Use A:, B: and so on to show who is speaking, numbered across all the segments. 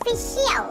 A: Official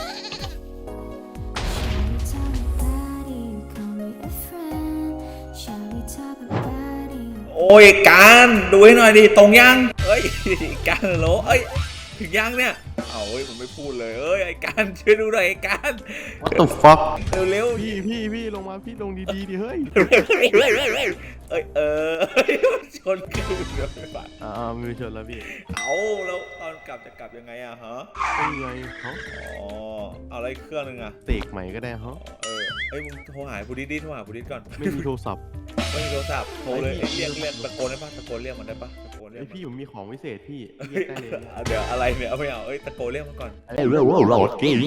B: โอ้ยการดูให้หน่อยดิตรงยังเอ้ยการโหลเอ้ยถึงยังเนี่ยเอาเฮ้ยมันไม่พูดเลยเอ้ยไอ้การช่วยดูหน่อยไอ้การ
C: What the fuck
B: เร็วๆ
C: พี่ลงมาพี่ลงดีๆดิเฮ้ย
B: เอ้ยชนกันเดี๋ยวไปบ้าน
C: มือชนแล้วพี่
B: เอาแล้วตอนกลับจะกลับยังไงอะฮะ
C: เป็นไงเขา
B: อ๋อเอาอะไรเครื่องนึงอะ
C: เสกใหม่ก็ได้ฮะ
B: เอ้ยมึงโทรหาผู้ดิโทรหาผู้ดิก่อน
C: ไม่มีโทรศัพท์
B: ไม่มีโทรศัพท์โทรเลยเรียกตะโกนได้ปะตะโกนเรียกมันได้ปะตะโกนเรีย
C: ไอก พี่ผมมีของวิเศษพี่เรียกได้เลย
B: เดี๋ยวอะไรเนี่ยเอาไม่เอาตะโกนเรียกมันก่อน
C: Come on man
B: โต้ง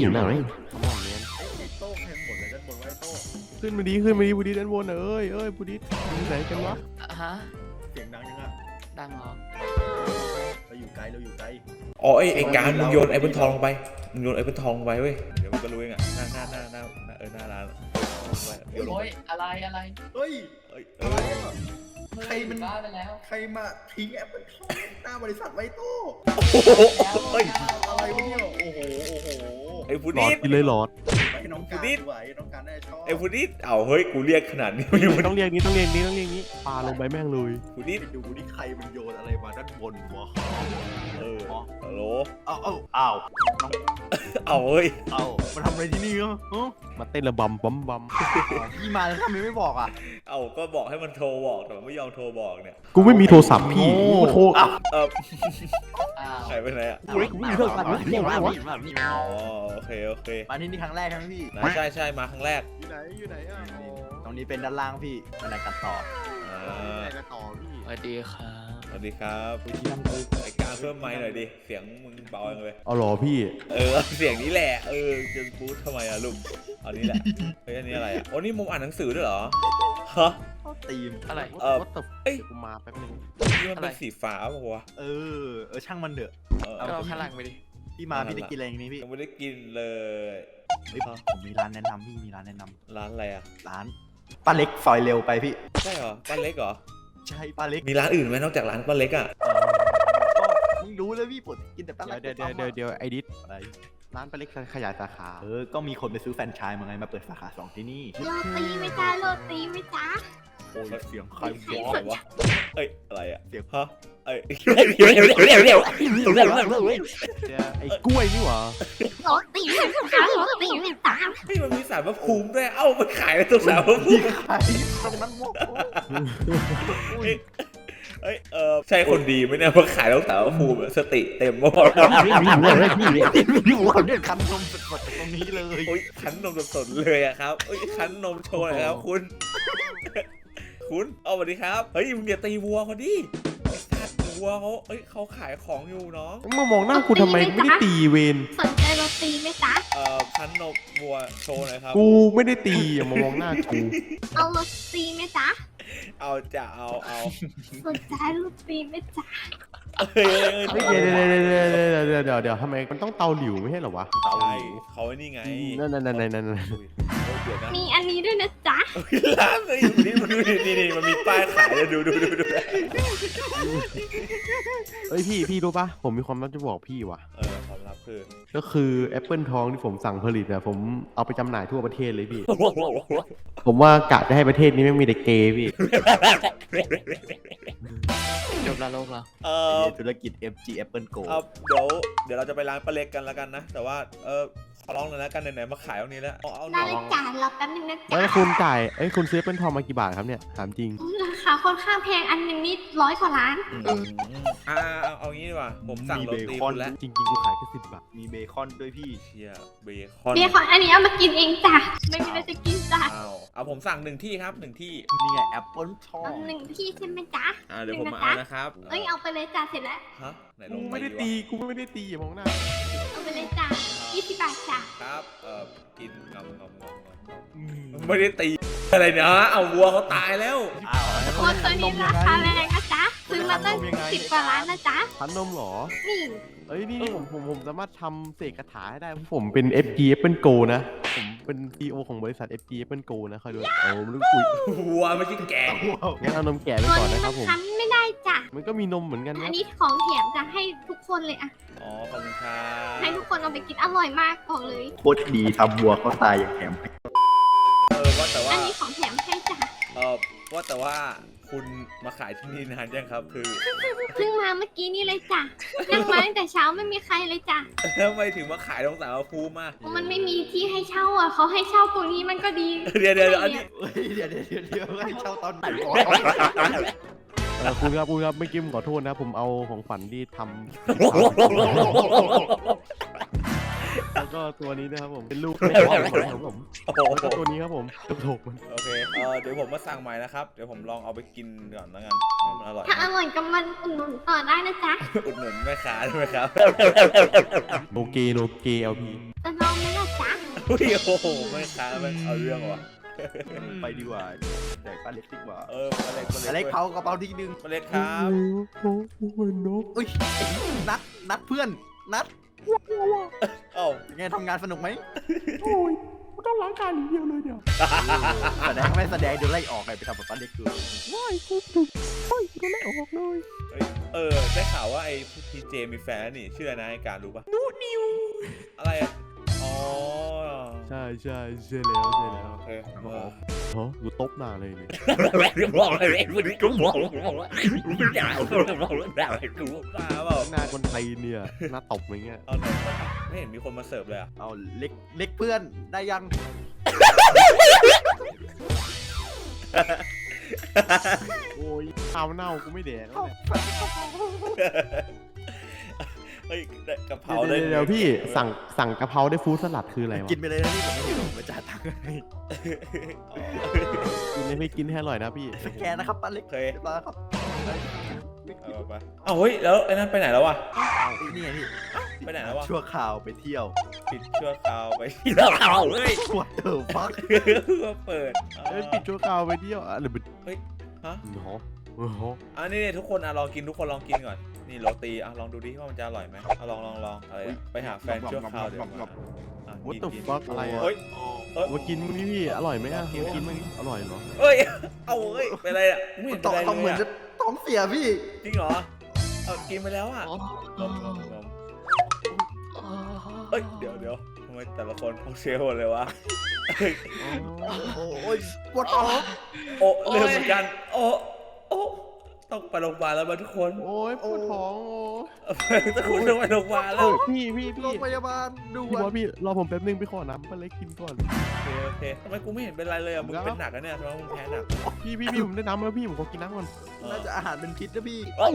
B: ให้หมดเลยด้านบนไว้โต้ง
C: ขึ้นมาดีบูดิด้านบนเอ้ยบูดิอยู่ไหนกันวะ
D: ฮะ
B: เสียงดังยังอะ
D: ดังเหรอ
B: เราอยู่ไกลอ๋อไอ้การมึงโยนไอ้บนทองลงไปมึงโยนไอ้บนทองลงไปเว้ยเดี๋ยวมันก็รู้เองอะหน้าร้านโยนลง
D: โอ้
B: ไป
D: ยอะไร
E: เฮ้ย
B: เอ้ย
E: อะไรอ่ะ ใครมัน
D: บ้าไปแล้ว
E: ใครมาทิ้งแอปเปิลทองหน้าบริษัทไว้โต้
B: เฮ้ย
E: อะไรวะเนี่ย โอ้โห
B: ไอ้ผู้
C: หลอ
B: ดิ
C: ดกินเลยหลอด
E: ไปน้องการ
B: นิด
E: ไหวน้องการน่าจะชอบ
B: ไอ้ผู้ดิเอาเฮ้ยกูเรียกขนาดนี้
C: ต้องเรียกนี้ปลาลงไปแม่งเลย
B: ผู้ดิ
E: ไปดูนี่ใครมันโยนอะไรมาด้านบนวะ
B: ฮัลโหล
E: อ้าว
B: เอาเฮ้ย
E: มาทำอะไรที่นี่อ่ะ
C: มาเต้นระบำบัม
E: พี่มาแล้วทำไมไม่บอกอ่ะ
B: เอาก็บอกให้มันโทรบอกแต่มันไม่ยอมโทรบอกเนี่ย
C: กูไม่มีโทรศัพท์พี่กูโทร
D: อ้าว
B: หายไปไหนอะ
C: กูไม่มีโทรศัพท์เรียกว่า
B: อ๋อโอเค
E: มาที่นี่ครั้งแรกใช่ไหมพี่
B: ใช่มาครั้งแรก
C: อยู่ไหนอ่ะ
E: ตรงนี้เป็นด้านล่างพี่บันไดกันต่อ
C: ไหนกันต่อพี่
D: สวัสดีครับ
B: สวัสดีครับไอ้การเพิ่มไมค์หน่อยดิเสียงมึงเบาจังเลย
C: เอาหรอพี่
B: เสียงนี้แหละจะพูดทำไมอะลูกอันนี้แหละเฮ้ยอันนี้อะไรอะโอ้นี่มุมอ่านหนังสือด้วยเหรอฮะ
E: เข้าตีม
D: อะไร
C: What the
B: เอ้ย
C: กูมาแป๊บนึง
B: นี่มันเป็นสีฟ้าป่ะวะ
E: ช่างมันเถอะ
D: ก็เอาข้างหลังไปดิ
E: พี่มาพี่ได้กินอะไรอย่างนี้พี่
B: ยังไม่ได้กินเลย
E: เฮ้ยผมมีร้านแนะนำพี่มีร้านแนะนำ
B: ร้านอะไรอะ
E: ร้านป้าเล็กซอยเร็วไปพี่
B: ใช่เหรอป้าเล็กเหรอ
E: ใช่ป้าเล็ก
B: มีร้านอื่นไหมนอกจากร้านป้าเล็กอะ
E: ก็ไม่รู้เลยพี่ผมกินแต่ป้าเล็ก
C: เดี๋ยวไอดิส
E: อะไร
C: ร้านปลาเล็กขยายสาขา
E: ก็มีคนไปซื้อแฟรนไชส์มาไงมาเปิดสาขา2ที่นี่
A: โรตีไหมจ๊ะโรตีไหมจ๊ะ
E: โอ้ยเสียงใคร
B: เสียงอะไรวะอะไรอะ
E: เสียง
B: ฮะ
C: ไอ้กล้วยนี่หว่า
A: โรตีไหมจ๊ะโรตีไหมจ๊ะ
B: นี่มันมีสารพระภูมิด้วยมันขายในตัวสารพระภูมิ
E: ใครตรงนั้นโมก
B: ใช่คนดีไหมเนี่ยมาขายแล้วสารพระภูมิสติเต็มหมด
E: คันนมสดๆจากตรงนี้เลย
B: โอ้ยคั้นนมสดๆเลยอะครับคั้นนมโชว์หน่อยครับคุณสวัสดีครับเฮ้ยมึงอย่าตีวัวเขาดิไอ้สัตว์วัวเขาขายของอยู่น้อง
C: มึงมามองหน้ากูทำไมไม่ได้ตีเวน
A: สนใจโรตีไหมจ๊ะ
B: คั้นนมวัวโชว์หน่อยครับ
C: กูไม่ได้ตีอย่ามามองหน้ากู
A: เอาโรตีไหมจ๊ะ
B: เอาจะเอา
A: สนใจโรตีไหมจ๊ะ
C: เดี๋ยวทำไมมันต้องเตาหลิวไม่ใช่เหรอวะ
B: ใช่เขาไอ้นี่ไง
C: นั่น
B: เดี๋ยวนะ
A: มีอันนี้ด้วยนะจ๊ะ
B: ร้านเลยอยู่นี่มันดูนี่มันมีป้ายขายเลยดู
C: เอ้ยพี่รู้ปะผมมีความลับจะบอกพี่ว่ะ
B: ความลับคือ
C: ก็คือแอปเปิลทองที่ผมสั่งผลิตอะผมเอาไปจำหน่ายทั่วประเทศเลยพี่ ผมว่ากะจะให้ประเทศนี้ไม่มีแต่เกย์พี่
D: จบแล้วโลกแล้ว
E: ธุรกิจ FG Apple Go
B: เดี๋ยวเราจะไปร้านป้าเล็กกันแล้วกันนะแต่ว่าขอร้องเลยแล้วกันไหนๆมาขายตรงนี้แล้วเอา
A: ได้เลยจ้ะรอแป๊บนึงนะ
C: แล้ว
A: จ๊ะ
C: คุณจ่ายคุณซื้อแอปเปิลทองมากี่บาทครับเนี่ยถามจริง
A: ราคาค่อนข้างแพงอันหนึงนี่100 กว่าล้าน
B: เอางี้ดีกว่าผมสั่งโรตี
E: มีเบคอน
B: คุณแล้ว
C: จริงๆกูขายแค่10 บาท
E: มีเบคอนด้วยพี่
B: เชียเบคอน
A: เบียร์ของอันนี้เอามากินเองจ้ะไม่มีอะไรจะกินจ้ะ
B: เอาผมสั่ง1 ที่ครับ1 ที่
E: นี่ไง Apple ทอง
A: เอา1 ที่ใช่ไหมจ๊ะ
B: เดี๋ยวผมมา
A: หนึ่
B: เอา
A: งนะจ๊ะ
B: นะครับ
A: เอ้ยเอาไปเลยจ้ะเสร็จแล้ว
B: ฮะไหนล
C: กู
B: ง
C: ไม่ได้ตีอย่ามองหน้า
A: เอาไปเลยจ้ะ20 บาทจ้ะ
B: ครับกินงำไม่ได้ตีอะไรเนี่ยเอาวัวเขาตายแล้ว
A: โคนตัวนี้ราคาแรงนะจ๊ะซื้อมาตั้ง10 กว่าล้านนะจ๊ะ
C: พันนมเหรอ
A: นี่
C: เอ้ยนี่ผมสามารถทำเสกคาถาให้ได้ผมเป็น FG Apple Go นะผมเป็น CEO ของบริษัท FG Apple Go นะคอยดูมันรู้กุย
B: วัวไม่ใช่แกะ
C: งั้นเอานมแก่ไป
A: ตัว
C: ก่อน
A: นี้
C: นะค
A: มั
C: รับ
A: น
C: ผม
A: คั้นไม่ได้จ้ะ
C: มันก็มีนมเหมือนกัน
A: อั
C: นะ
A: นนี้ของแถมจะให้ทุกคนเลยอะ
B: อ๋อขอบคุณครับ
A: ให้ทุกคนเอาไปกินอร่อยมากบอกเลย
E: โคตรดีทำวัวเขาตายอย่างแถม
B: ว่าแต่ว่า
A: อันนี้ของแถมให้จ้ะ
B: ว่าแต่ว่าคุณมาขายที่นี่นานยังครับคือ
A: เพิ่งมาเมื่อกี้นี่เลยจ้ะนั่งมาตั้งแต่เช้าไม่มีใครเลยจ้ะ
B: ทำไมถึงมาขายตรงสารภูมิมา
A: เพราะมันไม่มีที่ให้เช่าอ่ะเขาให้เช่าตรงนี้มันก็ดี
B: เดี๋ยวอันนี้
E: เฮ้ยเดี๋ยวให้เช่าตอนไหนก่อน
C: คุณครับไม่อกิ้มขอโทษนะผมเอาของฝันที่ทำแล้วก็ตัวนี้นะครับผมเป็นลูกแม่ของผม
B: โอ้โห
C: แล้วก็ตัวนี้ครับผมกระโถกมัน
B: โอเคเดี๋ยวผมมาสั่งใหม่นะครับเดี๋ยวผมลองเอาไปกินก่อนแล้วกันมันอร่อย
A: ถ้าอร่อยก็มันอุดหนุนต่อได้นะจ๊ะ
B: อุดหนุนแม่ค้าได้ไหมครับ
C: โนเกเอลพี
A: จะลองไหมล่ะจ๊ะ
B: อุ้ยโอ้โหแม่ค้ามันเอาเรื่องว่ะ
E: ไปดีกว่าแจกป้าเล็กดีกว่า
B: มาเล็ก
E: ป้าเล็กเผากระเป๋าทีนึง
B: มาเล็กครับ
C: โอ้โหนก
E: อุ้ยนัดเพื่อนนัด
B: เอ้า
E: ยังไงทำงานสนุกไหม
C: โอ้ยต้องล้างการอย่างเดียวเลยเนี่ย
E: แสดงไม่แสดงเดี๋ยวไล่ออกไปทำแบบป้าเล็กดู
C: ว้ายกูถูกโอ้ยกูไม่ออกเลย
B: ได้ข่าวว่าไอ้พีเจมีแฟนนี่ชื่ออะไรนะไอ้การรู้ปะนูนิวอะไรอ่ะอ๋อ
C: ใช่แล้ว
B: โอเค
C: ฮะกูตบหน้าเลยเนี่ย
B: บ้าเปล่า
C: หน้าคนไทยเนี่ยหน้าตบอย่างเงี้ย
B: เอาหน่อยไม่เห็นมีคนมาเสิร์ฟเลยอ่ะ
E: เอาเล็กเพื่อนได้ยัง
C: โอ้ยข้าวเน่ากูไม่แดกแล้วเนี่ย
B: เฮ้ยกะเพราได้
C: เดี๋ยวพี่สั่งกะเพราได้ฟู้ดสลัดคืออะไรวะ
E: กินไปเลยนะนี่ผมไม่หิวผมมาจ่ายตังค์ให้
C: กินให้กินให้อร่อยนะพี่
E: สแกนนะครับป้าเล็ก
B: เคย
E: เรียบร้อยครับ
B: เอาไปเอาเฮ้ยแล้วไอ้นั่นไปไหนแล้ววะ
E: นี่ไงพี่
B: ไปไหนแล้ววะ
E: ชั่วข่าวไปเที่ยว
B: ปิดชั่วคราวไปที่เราเฮ้ย
E: What the fuck
B: ก็เปิด
C: ปิดชั่วคราวไปเที่ยวอะไรเป็น
B: เฮ้ยฮะ
C: หอหอ
B: อันนี้ทุกคนลองกินทุกคนลองกินก่อนนี่โรตีลองดูดิว่ามันจะอร่อยไหมลองอะไรไปหาแฟนชั่วคราวเดี๋ยวมา
C: วัตถุฟักอะไรอ่ะ
B: เฮ้ย
C: มากินมึงนี่พี่อร่อยไหมอ่ะกินมึงอร่อยเหรอ
B: เฮ้ยเอาเฮ้ยเป็นไรอ่ะไม่เห็นเป็นไร
E: ต้องเห
B: เล
E: มือย นจะ
B: อ่ะ
E: ท้องเสียพี่
B: จริงเหรอกินไปแล้วอ่ะเฮ้ยเดี๋ยวทำไมแต่ละคนเขาเชลหมดเลยวะ
E: โอ้ยปวดท้อง
B: โอ้เริ่มเหมือนกันโอ้ต้องไปโรงพยาบาลแล้วมาทุกคน
C: โอ้ยปวดท้อง
B: ทุกคนต้องไปโรงพยาบาลแล้ว
C: พี่
E: โรงพยาบาลด่
C: พี่
E: ว
C: บอน สพี่รอผมแป๊บนึงไปขอน้ำปลาเล็กกินก่อน
B: โอเคทำไมกูไม่เห็นเป็นไรเลยอ่ะมึงเป็นหนักอะเนี่ยทำไมมึงแพ้หนัก
C: พี่ผมได้น้ำแล้วพี่ผมขอกินน้ำก่อน
E: น่าจะอาหารเป็นพิษนะพี่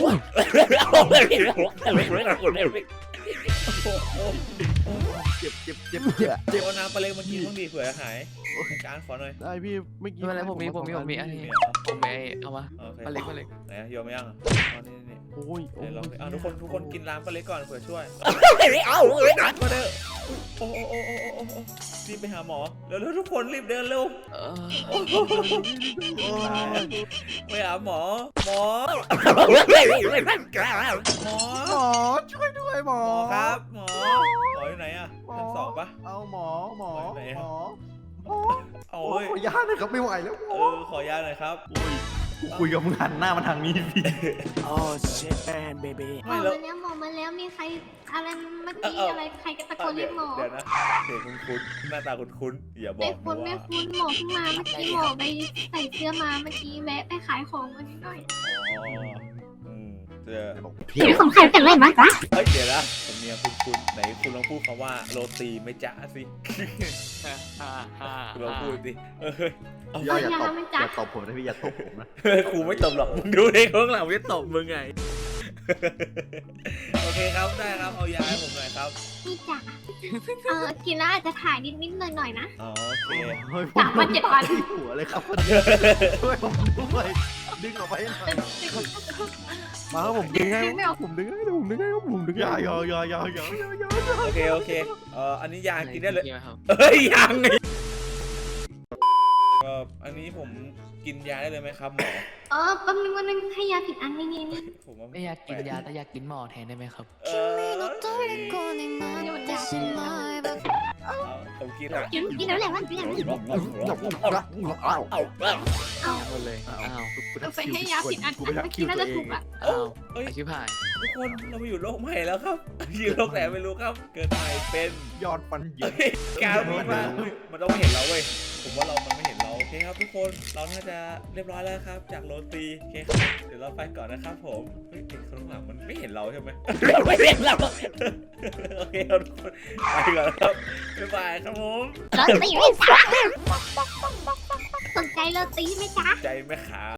E: เจ็บ
B: เจ็บเอาน้ำปลาเล็กมากินบ้างดีเผื่อหายการขอหน่อย
C: ได้พี่ไม่กิน
D: ไม่เป็นไรผมมีอันนี้ผมไปเอามา
B: โอเค
D: ปลาเล็ก
B: ไหนโยมยังนี่
C: โอ้ย
B: เดี๋ยวลองทุกคนกินน้ำปลาเล็กก่อนเผื่อช่วย
D: เอาเลย
B: มาเด้อโอ้รีบไปหาหมอเร็วทุกคนรีบเดินเร็วไปหาหมอหมอ
E: หมอช่วยด้วยหมอ
B: ครับหมออยู่ไหนอะชั้น2ปะ
E: เอาหมอ
B: เอา
E: โอ้
B: เฮ้
E: ย
B: ย
E: ขอยาหน่อยครับไม่ไหวแล้ว
B: ขอยาหน่อยครับ
E: กูคุยกับมึงหันหน้ามาทางนี้พี่
A: หมอมาแล้วมีใครอะไรเมื่อกี้อะไรใครก็ตะโกนเรียกหมอ
B: เดี๋ยวนะเสียงคุ้นหน้าตาคุ้นอย่าบอ
A: ไม่
B: ก
A: คุ้นหมอเพิ่งมาเมื่อกี้หมอไปใส่เสื้อมาเมื่อกี้แวะไปขายของมานิดหน่อย
B: เดี๋ยว
A: มีของใครเป็นไรบ้างจ๊ะ
B: เฮ้ยเดี๋ยวนะผมเนี่ยคุณไหนคุณลองพูดคำว่าโรตีไม่จ๊ะสิคุณลองพูดดิ
E: อย่าตบผมนะพี่อย่าตบผมนะ
B: ครูไม่ตบหรอกมึงดูในข้างหลังจะตบมึงไงโอเคครับได้ครับเอายาให้ผมหน่อยครับ
A: นี่จ้ะกินแล้วอาจจะถ่ายนิดหน่อยนะ
B: อ๋อโอเค
A: 3 วัน 7 วัน
E: หัวเลยครับช่วยผมด้วยดึงออกไปหน่อย
C: มาครับผมดึงให้ผมดึงให้
E: อย่า
B: โอเคอันนี้ยากินได้เลย
D: ครับ
B: เฮ้ยยังไงอันนี้ผมกินยาได้เลยไหมครับหมอ
A: แป๊บนึงวันนึงให้ยาผิดอันนี่
B: ผมว่า
D: ไม่อยากกินยาแต่อยากกินหมอแทนได้ไหมครับ
B: ผมกินกินอ่ะ
A: กินแล้วแหละมันกินแล้ว
D: หมดเลยอ้าว
A: เอาไปให้ยาผิดอันเมื่อกี้น่าจะถูกอ่ะ
D: อ้าว
B: เอ้ย
D: ไอชิบหาย
B: ทุกคนเรามาอยู่โลกใหม่แล้วครับอยู่โลกไหนไม่รู้ครับ เกิดใหม่เป็น
E: ยอดฟันเหยิน
B: เฮ้ยการมีมาเฮ้ยมันต้องไม่เห็นเราเว้ยผมว่ามันไม่เห็นเราโอเคครับทุกคนเราน่าจะเรียบร้อยแล้วครับ จากโรตีโอเคครับเดี๋ยวเราไปก่อนนะครับผมเฮ้ยข้างหลังมันไม่เห็นเราใช่ไหมไม่เห็นเราโอเคครับทุกคนไปก่อนครับบ๊ายบายครับผม
A: โรตีไม่จ้าสนใจโรตีไหมจ๊ะ
B: ใจไหมครับ